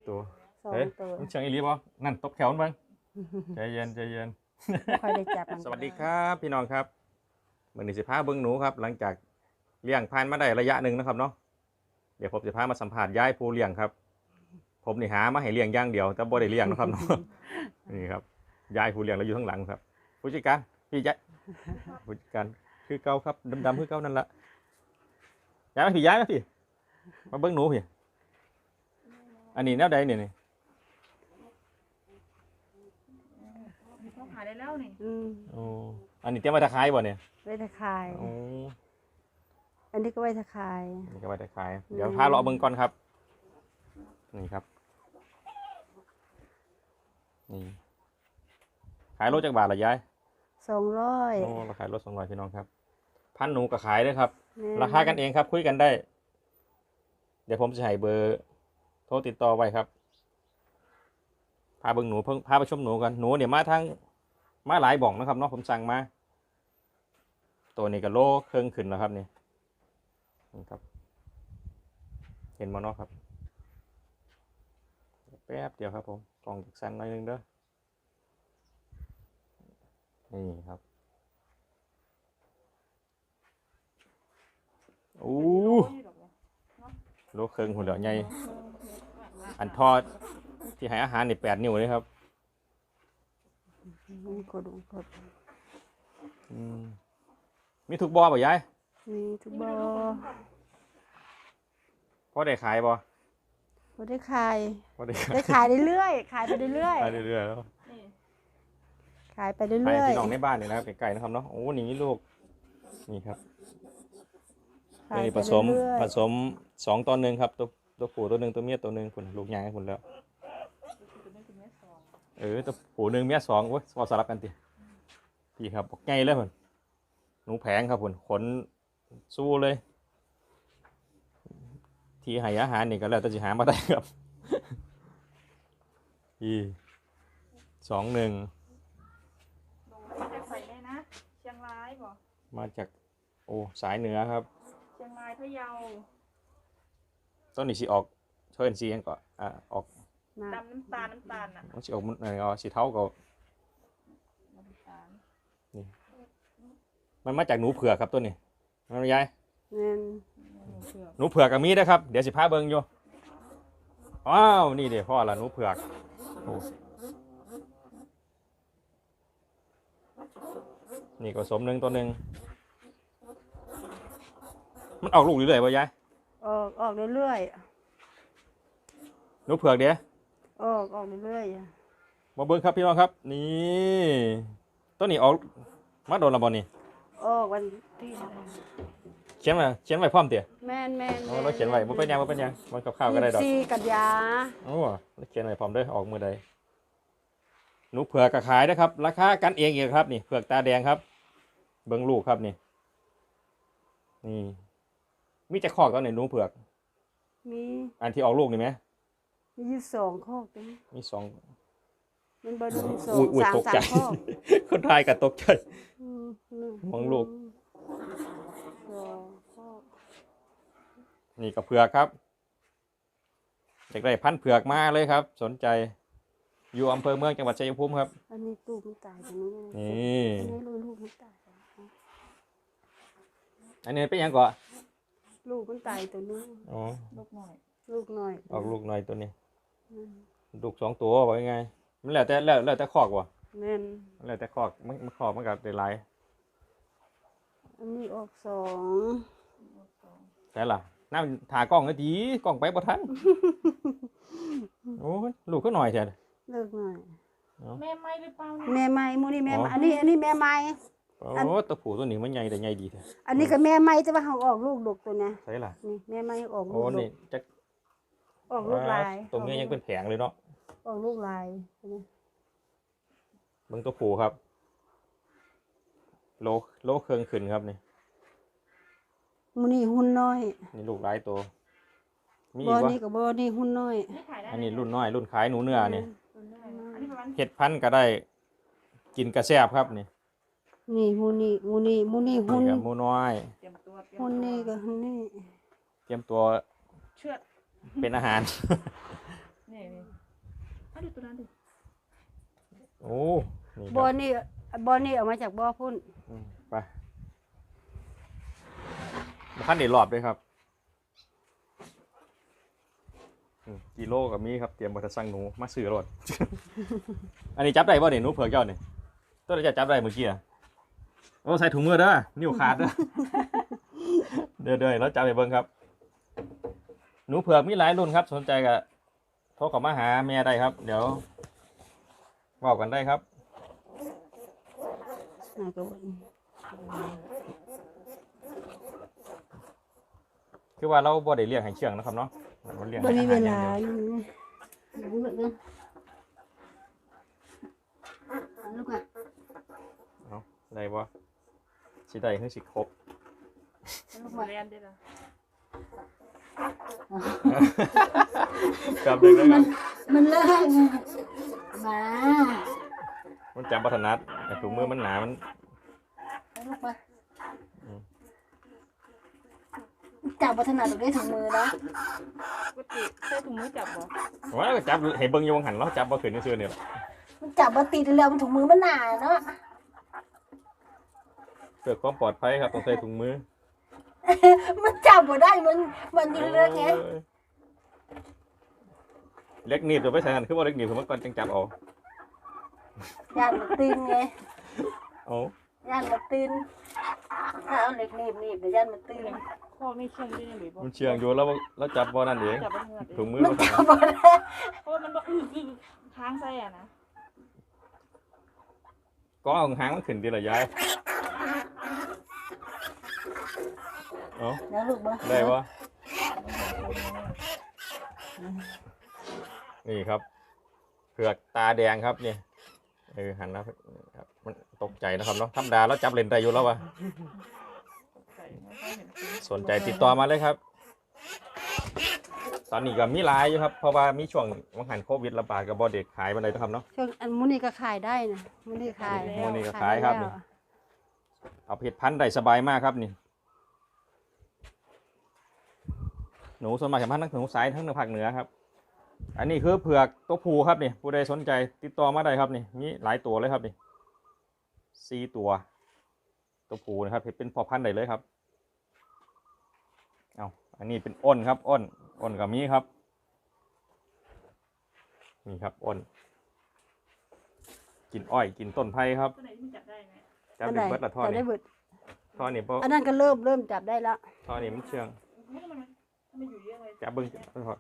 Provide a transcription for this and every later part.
ตัว 2 เฮ้ยตัวมันเชียงอีหลีบ่นั่นตบแขวมันเบิ่งใจเย็นใจเย็นบ่ค่อยได้จับมันสวัสดีครับพี่น้องครับมื้อนี้สิพาเบิ่งหนูครับหลังจากเลี้ยงผ่านมาได้ระยะหนึ่งนะครับเนาะเดี๋ยวผมจะพามาสัมภาษณ์ยายผู้เลี้ยงครับผมนี่หามาให้เลี้ยงอย่างเดียวแต่บ่ได้เลี้ยงนะครับเนาะ นี่ครับยายผู้เลี้ยงเราอยู่ข้างหลังครับผู้จัดการพี่ยายผู้จัดการคือเก่าครับดำๆคือเก่านั่นละย้ายมาพี่ย้ายมาพี่มาเบิ่งหนูพี่อันนี้แนวใดเนี่ยนี่เขาขายได้แล้วนี่โอ้อันนี้เตรียมไว้ตะไคร้บ่เนี่ยไว้ตะคายโอ้อันนี้ก็ไว้ตะคายอันนี้ก็ไว้ตะไคร้เดี๋ยวพาเราเบิ่งก่อนครับนี่ครับนี่ขายรถจักบาทละยาย 200 โอ้เราขายรถ200พี่น้องครับพันหนูก็ขายด้วยครับแม่นราคากันเองครับคุยกันได้ เดี๋ยวผมจะให้เบอร์โทรติดต่อไว้ครับพาเบิ่งหนูพาไปชมหนูกันหนูเนี่ยมาหลายบ่องนะครับเนาะผมสั่งมาตัวนี้ก็โลเครื่องขึ้นแล้วครับนี่ครับเห็นมั้เนาะครับแป๊บเดียวครับผมกล่องจากสั่นหน่อยนึงเด้อนี่ครับโอ้โลเครื่องหุ่นเหล่าใหญ่อันทอดที่ให้อาหารนี่8 นิ้วเลยครับกดกดมีทุกบ่อป่ะยายมีทุกบ่พอได้ขายบ่บ่ได้ขายพอได้ขายได้ขายเรื่อยๆขายไปเรื่อยขายเรื่อยๆแล้วนี่ๆขายไปขายเรื่อยพี่น้องในบ้านนี่นะครับไก่ๆนะครับเนาะโอ้นี่ลูกนี่ครับๆขายนี่ไปผสมเรื่อยผสม2 ต่อ 1ครับตัวผู้ตัว 1ตัวเมียตัว 1คุณลูกใหญ่ให้คุณแล้วตัวผู้1เมีย2โอ้ยสลับกันติพี่ครับบอกใหญ่เลยคุณหนูแผงครับคุณขนสู้เลย ที่ให้อาหารนี่ก็แล้วแต่จะหามาได้ครับ 2 1 หนูมาจากใส่ได้นะเชียงรายบ่มาจากโอ้สายเหนือครับเชียงรายพะเยาต้นนี้สิออกเชิญสียังก่อนออกๆนะดำน้ำตาลน่ะมันสิออกมันสีเทาก็น้ำตาลมันมาจากหนูเผือกครับต้นนี้มันไม่ย้ายแม่นหนูเผือกหนูเผือกกับมีนะครับเดี๋ยวสิพาเบิ่งอยู่ว้าวนี่เดี๋ยวพ่อละหนูเผือกโอ้นี่ก็สม1 ตัว 1มันออกลูกเรื่อยๆป่ะยายออกเรื่อยหนูเผือกเดี๋ยวๆออกเรื่อยมาเบิ่งครับพี่น้องครับนี่ต้นนี้ออกมาโดนและบ่นี่ๆออกวันที่เท่าไหร่เขียนไว้พร้อมเตี่ยแม่นๆอ๋อเราเขียนไว้บ่เป็นหยังมันกับข้าวก็ได้ดอก 24กันยาโอ้เราเขียนไว้พร้อมเด้อออกมือใดหนูเผือกก็ขายนะครับราคากันเองอีกครับนี่เผือกตาแดงครับ เบิ่งลูกครับนี่มีจะคอกตอนไหนหนูเผือกมีอันที่ออกลูกนี่ไหมมีอยู่2ข้อตรงนี้มี2 มันบ่ดูสออุ้งยสามตกสาใจมข้อคนไทยก็ตกใจ มองลูก 2ข้อนี่ก็เผือกครับอยากได้พันธุ์เผือกมาเลยครับ สนใจอยู่อำเภอเมืองจังหวัดชัยภูมิครับอันนี้ตู้มันตายตรงนี้นี่อันนี้ลูกมันตายอันนี้เป็นหยังก่อนลูกมันตายตัวนี้อ๋อลูกหน่อยลูกน้อยออกลูกหน่อยตัวนี้อืมลูก2 ตัวว่ายังไงมันแล้วแต่คอกว่ะแม่นมันแล้วแต่คอกมันคอกมันก็ได้หลายอันนี้ออก2 แต่ล่ะน้ำถากล้องก็ดีกล้องไปบ่ทัน โอ้ยลูกก็หน่อยแท้เลิกหน่อยแม่ไม่หรือเปล่าแม่ไม้หมูนี่แม่ไม้อันนี้แม่ไม้โอ้ตัวผู้ตัวนี้มันใหญ่แต่ใหญ่ดีแท้อันนี้ก็แม่ไม้แต่ว่าเขาออกลูกดกตัวเนี้ยใช่ล่ะนี่แม่ไม้ออกลูโอ้กดนี่กจักออกลูกลายตัวเมียยังเป็นแผงเลยเนาะออกลูกลายใช่ไหมเบิ่งตัวผู้ครับโลเครื่องขึ้นครับนี่หมูนี่หุ่นน้อยนี่ลูกหลายตัวมีบ่อีกวะนี่กับบ่นี่หุ่นน้อยนี่ขายได้อันนี้รุ่นน้อยรุ่นขายหนูเนื้อนี่อันนี้ประมาณเห็ดพันธุ์ก็ได้กินกระแซบครับนี่นี่หมูนี่หุ่นนี่กับหมูน้อยเตรียมตัวหุ่นนี่ก็หุ่นนี่เตรียมตัวเชือดเป็นอาหารนี่เอาดูตัวนั้นดิโอ้นี่คบ่อรับนี่บ่อนี่เอามาจากบ่อพุ่นไปมาขั้นเด็ดรอบด้วยครับกิโลกับมีครับเตรียมมาจะสั่งหนูมาซื้อรถ อันนี้จับได้ป่ะเนี่ยหนูเผือกเจ้าเนี่ยตัวจะจับได้เมื่อกี้อะโอ้ใส่ถุงมือเด้อนิ้วขาดเด้อ เด้อแล้วจับไปเบิ่งครับ หนูเผือกมีหลายรุ่นครับ สนใจก็โทรเข้ามาหาแม่ได้ครับ เดี๋ยวบอกกันได้ครับน่าก็บ่คือว่าเราบ่ได้เลี้ยงให้เชื่องนะครับเนาะเราเลี้ยงบ่ให้มีอาเวหารอย่าลางเดียวลูกอ่ะได้บ่สิได้คือสิครบลูกมาเรียนได้ละครับเด็กๆครับมันเลิกมามันจำปัถนัดแต่ถุงมือมันหนามันลูกมาจับวัฒนาตรงได้ถุงมือนะปกติใส่ถุงมือจับบ่ว่าก็จับให้เบิ่งอยู่วงหันแล้วจับบ่ขึ้นซื่อๆเนี่ยมันจับมาติดแล้วมันถุงมือมันหนาเนาะเพื่อความปลอดภัยครับต้องใส่ถุงมือมันจับบ่ได้มันอยู่เรื่องไงโอ้ยเล็กหนีบจะไปใส่กันคือว่าเล็กหนีบผมเมื่อก่อนจังจับเอาย่านมันตีนไงเอาย่านมันตีนถ้าเอาเหล็กหนีบเดี๋ยวย่านมันตีนข้อนี่เชื่องได้ยังหรือบ่มันเชียงอยู่แล้วจับบ่นั่นเองจับบ่เงือกถุงมือมันมาจัใส่บบ่ได้เพราะว่ามันบ่ค้างใส่อ่ะนะก็เอาหางมันขึ้นดีละยายเอาแล้วลูกบ่ได้ปะนี่ครับเผือกตาแดงครับนี่หันแล้วครับมันตกใจนะครับเนาะธรรมดาแล้วจับเลนได้อยู่แล้ววะใส่ไม่ค่อยเห็นจริงสนใจติดต่อมาเลยครับ ตอนนี้ก็มีหลายอยู่ครับเพราะว่ามีช่วงวังหันโควิดระบาดกับบอเด็กขายมาเลยนะครับเนาะช่วงอันมื้อนี้ก็ขายได้นะมื้อนี้ขายมื้อนี้ก็ขายครับนี่ เอาเผ็ดพันธุ์ได้สบายมากครับนี่หนูส่วนมากจะพันธุ์ทั้งหนูสายทั้งภาคเหนือครับ อันนี้คือเผือกตัวผู้ครับนี่ผู้ใดสนใจติดต่อมาได้ครับนี่มีหลายตัวเลยครับนี่4ตัวตัวผู้นะครับเห็ดเป็นพ่อพันธุ์ได้เลยครับเอาอันนี้เป็นอ้นครับอ้นกับมีครับนี่ครับอ้นกินอ้อยกินต้นไผ่ครับตัวไหนที่มันจับได้ไหมจับดึงเบิดละท่อจับได้นี่เบิดท่อนี่เพราะอันนั้นก็เริ่มจับได้แล้วท่อนี่มันเชื่องมันอยู่เยอะเลยจับเบิ้งพอ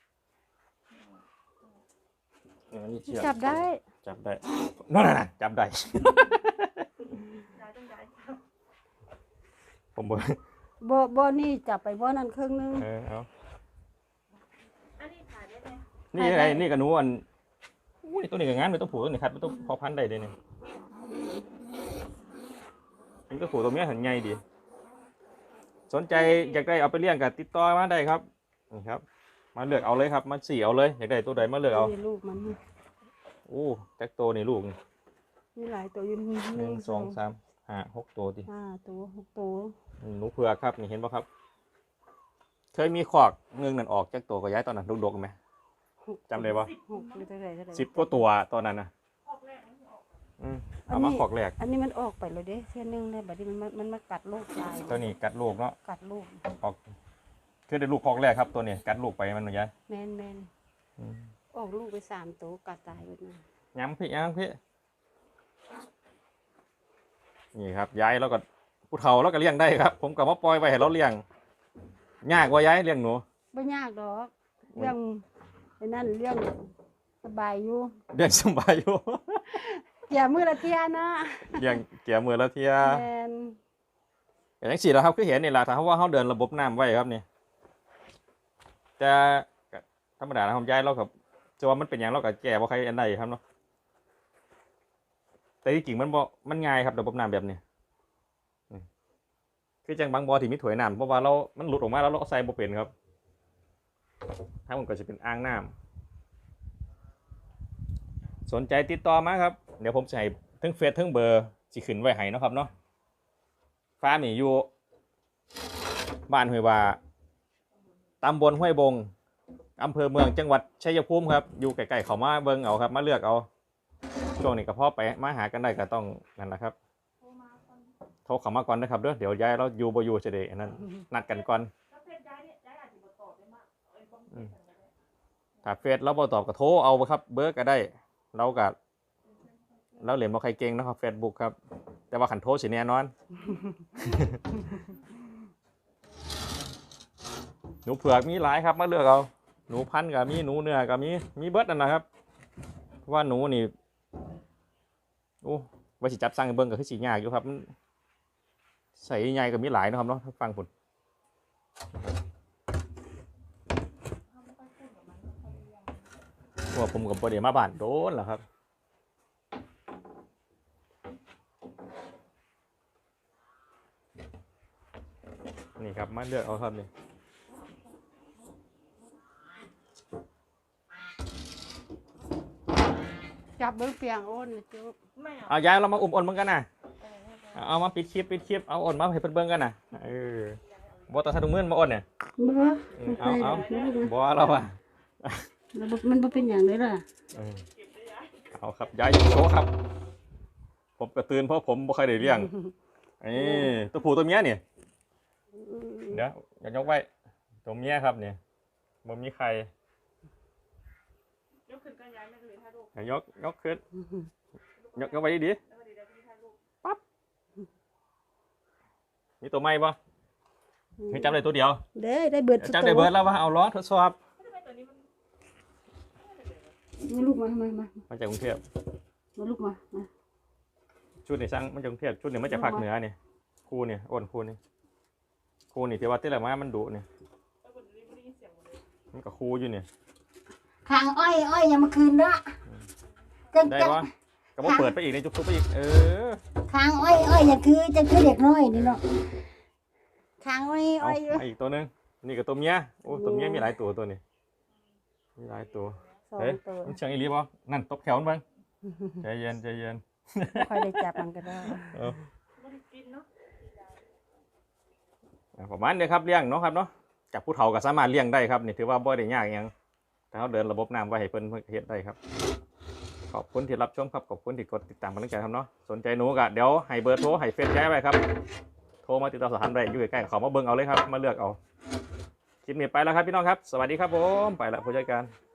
อันนี้เชื่องจับได้จับได้นั่นๆจับได้ย้ายต้องย้ายผมบอกบ่นี่จับไปบ่นั่นครึ่งนึงเอาอันนี้ขายได้ไหมนี่ไงนี่กับหนูอันอุ้ยตัวนี้กับงานเป็นตัวผู้ตัวนี้ครับเป็นตัวพอพันธุ์ได้เลยเนี่ยเป็นตัวผู้ตัวเมียหันใหญ่ดี สนใจอยากได้เอาไปเลี้ยงกับติดต่อมาได้ครับนี่ครับ มาเลือกเอาเลยครับมาสี่เอาเลยอยากได้ตัวใดมาเลือกเอานี่ลูกมันโอ้แจ็คตัวนี่ลูกนี่มีหลายตัวอยู่ 1 2 3 5 6ตัวดิ 5ตัว6ตัวหนูเผือกครับนี่เห็นป่ะครับ เคยมีขอกเงืองนั่นออกจากตัวก็ย้ายตอนนั้นดกๆไหมจำได้ปะ 6หรือเท่าไหร่ 10 กว่าตัวตอนนั้นนะออกแรกมันออกเอามาขอกแรกอันนี้มันออกไปแล้วเด้เส้นนึงได้บัดนี้มันมากัดลูกตายตัวนี้กัดลูกเนาะกัดลูกออกคือได้ลูกขอกแรกครับตัวนี้กัดลูกไปมันหนูย้ายแม่นออกลูกไป3ตัวกัดตายหมดนะย้ำพี่นี่ครับย้ายแล้วก็ผู้เฒ่าแล้วก็เลี้ยงได้ครับ ผมก็มาปล่อยไปให้เราเลี้ยงยากกว่าย้ายเลี้ยงหนูบ่ยากดอกเรื่องไอ้นั่นเรื่องสบายอยู่เลี้ยงสบายอยู่อย่ามือละเที่ยนะเลี้ยงเกี่ยมือละเทียแม่นอย่างสี่แล้วครับคือเห็นนี่แหละถ้าว่าเขาเดินระบบน้ำไว้ครับนี่แต่ก็ธรรมดานะผมย้ายเรากับจะว่ามันเป็นอย่างเรากับแก่ว่าใครอันใดครับเนาะแต่ที่จริงมันบ่มันง่ายครับระบบน้ำแบบนี้คือจังบางบ่อที่มีถวยน้ำเพราะว่ามันหลุดออกมาแล้วเราใส่บ่เป็นครับถ้ามันก็จะเป็นอ่างน้ำสนใจติดต่อมาครับเดี๋ยวผมจะให้ทั้งเฟซทั้งเบอร์สิขึ้นไว้ให้เนาะครับเนาะฟาร์มนี่อยู่บ้านห้วยว่าตำบลห้วยบงอำเภอเมืองจังหวัดชัยภูมิครับอยู่ใกล้ๆเขามาเบิ่งเอาครับมาเลือกเอาช่วงนี้ก็พอไปมาหากันได้ก็ต้องนั่นแหละครับโทรมาก่อนโทรเข้ามาก่อนนะครับเดี๋ยวยายเราอยู่บ่อยู่จะได้อันนั้นนัดกันก่อนถ้าเพชรย้ายเนี่ยย้ายอาจจะบ่ตอบได้มากเอ้ยบ่มีเพชรกันก็ได้ถ้าเฟซเราบ่ตอบก็โทรเอาครับเบอร์ก็ได้เราก็เราเหรียญบ่ใครเก่งนะครับ Facebook ครับแต่ว่าขันโทรสิแน่นอน หนูเผือกมีหลายครับมาเลือกเอาหนูพันธุ์ก็มีหนูเนื้อก็มีเบิดนั่นนะครับเพราะว่าหนูนี่โอ้ว่าสิจับสั่งให้เบิ่งก็คือสิยากอยู่ครับมันใส่ใหญ่ก็มีหลายนะครับเนาะฟังผลเขาไม่ค่อยพูดกับมันไม่ค่อยรู้เรื่องเพราะว่าผมกับบ่ได้มาบ้านโดนแหละครับนี่ครับมาเลือกเอาครับนี่จับเบิ้งเปียงโอนนะจุ๊บไม่เอาเอาย้ายเรามาอุ้มอ่อนเหมือนกันนะไม่เอาเอามาปิดคลิปเอาอ่อนมาให้เพิ่นเบิ่งกันนะเออบ่ต้องใส่ถุงมือมาอ่อนเนี่ยบ่เอาบ่บ่เราอ่ะมันบ่เป็นอย่างเลยล่ะเออเอาครับย้ายอยู่โชว์ครับ ผมก็ตื่นเพราะผมบ่เคยได้เลี้ยงนี่ตัวผู้ตัวเมียนี่เดี๋ยวอย่ายกไว้ตัวเมียครับนี่บ่มีใครยกขึ้นก็ย้ายไม่เลยถ้าลูกยกขึ้นยกไว้ดีแล้วก็เดี๋ยวพี่ถ้าลูกๆมีตัวใหม่บ่ให้จับได้ตัวเดียวได้เบิดจับได้เบิดแล้วว่าเอาล้อทดสอบทำไมตัวนี้มันมาลูกมามาจากกรุงเทพมาลูกมาชุดนี่สั่งมาจากกรุงเทพชุดนี่มาจากภาคเหนือนี่คู่นี่อ้นคู่นี่ที่ว่าที่แหลมามันดุนี่แล้วคนนี้ไม่ได้ยินเสียงหมดเลยมันก็คู่อยู่นี่ทางอ้อยยังมาคืนละจังได้ปะก็บ่เปิดไปอีกในจุ๊บไปอีกทางอ้อยอย่าคือจังคือเด็กน้อยนี่เนาะทางอ้อยเอาอีกตัวนึงนี่กับตัวเมียโอ้ตัวเมียมีหลายตัวนี้มีหลายตัวสองเฮ้ยตัวมันเชิงอีหลีบ่นั่นตบแขวมันเบิ่งใจเย็นไม่ค่อยได้จับมันก็ได้ไม่ได้กินเนาะประมาณนี้ครับเลี้ยงเนาะครับเนาะจากผู้เฒ่าก็สามารถเลี้ยงได้ครับนี่ถือว่าบ่ได้ยากหยังถ้าเขาเดินระบบน้ำไว้ให้เพิ่นเฮ็ดได้ครับขอบคุณที่รับชมครับขอบคุณที่กดติดตามกำลังใจครับเนาะสนใจหนูก็เดี๋ยวให้เบอร์โทรให้เฟซแชร์ไว้ครับโทรมาติดต่อสอบถามได้อยู่ใกล้ๆเขามาเบิ่งเอาเลยครับมาเลือกเอาคลิปนี้ไปแล้วครับพี่น้องครับสวัสดีครับผมไปละผู้จัดการ